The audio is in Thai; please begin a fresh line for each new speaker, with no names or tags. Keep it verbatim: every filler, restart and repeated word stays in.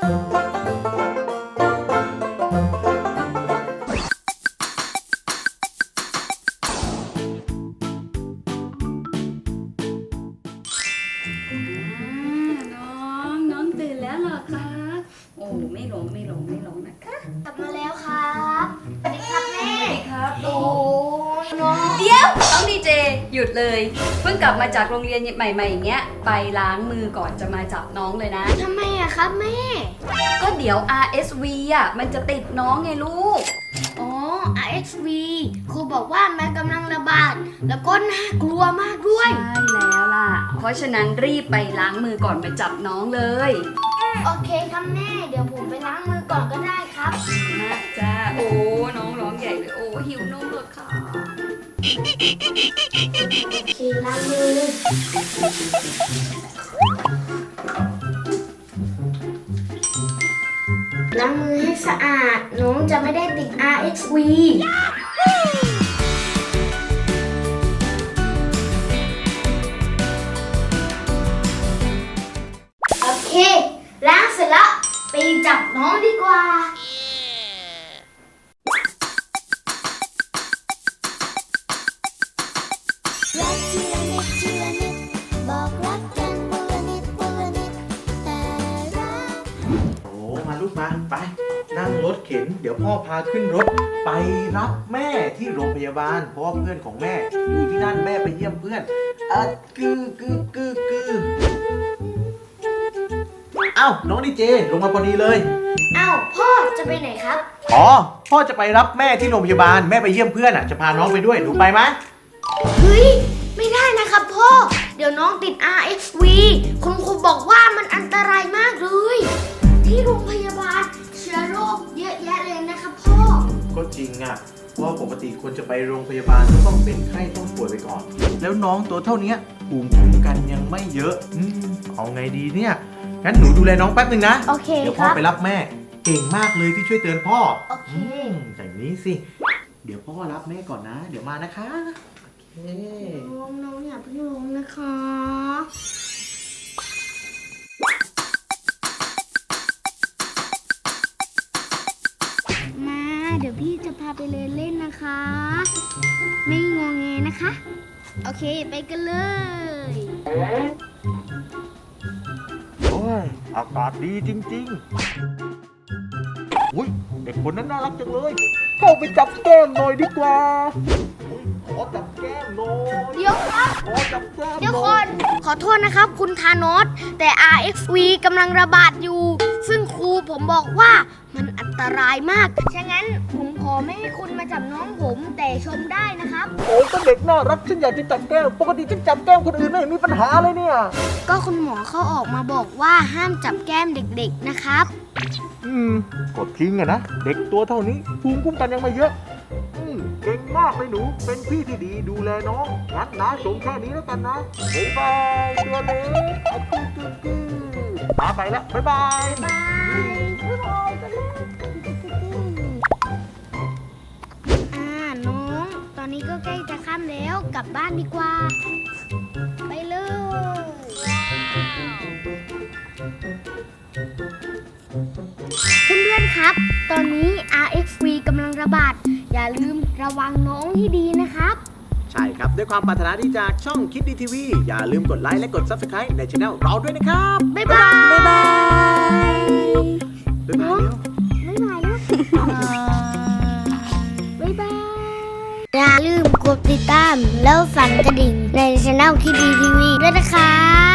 น้องน้องตื่นแล้วเหรอคะโอ้ไม่หลงไม่หลงไม่หลงนะคะ
กลับมาแล้วครับสวัสดีครับแม่
สวัสดีครับ
โอ้น้อง
เดี๋ยวน้องดีเจหยุดเลยเพิ่งกลับมาจากโรงเรียนใหม่ๆอย่างเงี้ยไปล้างมือก่อนจะมาจับน้องเลยนะ
ทำไมอะครับแม่
ก็เดี๋ยว อาร์ เอส วี อ่ะมันจะติดน้องไงลูก
อ๋อ อาร์ เอส วี ครูบอกว่ามันกำลังระบาด แล้วก็น่ากลัวมากด้วย
ใช่แล้วล่ะเพราะฉะนั้นรีบไปล้างมือก่อนมาจับน้องเลย
โอเคครับแม่ เดี๋ยวผมไปล้างมือก่อนก็ได้ครับ
นะจ้าโอ้น้องร้องใหญ่เลยโอ้หิวนมเลยค่ะ
โอเคล้างมือ ล้างมือให้สะอาด น้องจะไม่ได้ติด อาร์ เอส วี โอเค ล้างเสร็จแล้ว ไปจับน้องดีกว่า
รักทีละนิดทีละนิดบอกรักกันวันละนิดวันละนิดแต่รัก
โอ้มาลูกมาไปนั่งรถเข็น เดี๋ยวพ่อพาขึ้นรถ ไปรับแม่ที่โรงพยาบาล เพราะว่าเพื่อนของแม่อยู่ที่นั่นแม่ไปเยี่ยมเพื่อนอ่ะกึกึกึกึเอ้าน้องดีเจลงมาพอดีเลย
อ้าวพ่อจะไปไหนครับ
อ๋อพ่อจะไปรับแม่ที่โรงพยาบาลแม่ไปเยี่ยมเพื่อนอ่ะจะพาน้องไปด้วยหนูไปไหม
เฮ้ย ไม่ได้นะครับพ่อ เดี๋ยวน้องติด อาร์ เอส วี คุณครูบอกว่ามันอันตรายมากเลย ที่โรงพยาบาลเชื้อโรคเยอะแยะเลยนะครับพ่อ
ก็จริงอ่ะเพราะว่าปกติคนจะไปโรงพยาบาลก็ต้องเป็นไข้ต้องป่วยไปก่อน แล้วน้องตัวเท่านี้ภูมิคุ้มกันยังไม่เยอะอืมเอาไงดีเนี่ยงั้นหนูดูแลน้องแป๊บนึงนะ
โอเค
เดี๋ยว
ค
พ่อ
รับ
ไปรับแม่ เก่งมากเลยที่ช่วยเตือนพ่อ
โอเค
อืมอย่างนี้สิ เดี๋ยวพ่อรับแม่ก่อนนะ เดี๋ยวมานะคะโอเค
น้องน้องอย่าเพิ่งลงนะคะ มา เดี๋ยวพี่จะพาไปเล่นเล่นนะคะ ไม่งงเงนะคะ โอเค ไปกันเลย
โอ้ยอากาศดีจริงๆอุ้ยเด็กคนนั้นน่ารักจังเลยเข้าไปจับแก้มหน่อยดีกว่าอุ๊ยขอจับแก้มหน่อย
เดี๋ยวครับ
ขอจับแก้มห
เดี๋ยว
น่
ค
อย
นขอโทษนะครับ คุณธานอสแต่ อาร์ เอส วี กำลังระบาดอยู่ ซึ่งครูผมบอกว่ามันอันตรายมาก ฉะนั้นผมขอไม่ให้คุณมาจับน้องผมแต่ชมได้นะครับ
โอ้ยก็เด็กน่ารักฉันอยากจะจับแก้มปกติฉันจับแก้มคนอื่นไม่เห็นมีปัญหาเลยเนี่ย
ก็คุณหมอเขาออกมาบอกว่าห้ามจับแก้มเด็กๆนะครับ
อืมกดทิ้งอะนะ เด็กตัวเท่านี้ภูมิคุ้มกันยังไม่เยอะ อืมเก่งมากเลยหนู เป็นพี่ที่ดีดูแลน้องงั้นนะส่งแค่นี้แล้วกันนะบ๊ายบายตัวเล็กอะกึกกึกกึกมาไปแล้วบ๊ายบาย
บายบ๊ายบายกันเลยอ่าน้อง ตอนนี้ก็ใกล้จะค่ำแล้วกลับบ้านดีกว่า ไปเลย เพื่อนๆ ครับ ตอนนี้ อาร์ เอส วี กำลังระบาด อย่าลืมระวังน้องให้ดีนะครับ
ใช่ครับ ด้วยความปรารถนาดีจากช่องคิดดีทีวีอย่าลืมกดไลค์และกด ซับสไครบ์ ในช่องเราด้วยนะครับ
บ๊ายบาย
บ๊ายบาย
บ๊ายบายเร็ว
บ๊ายบายแล้วบ๊ายบาย อย่าลืมกดติดตามแล้วสั่นกระดิ่งในช่องคิดดีทีวีด้วยนะครับ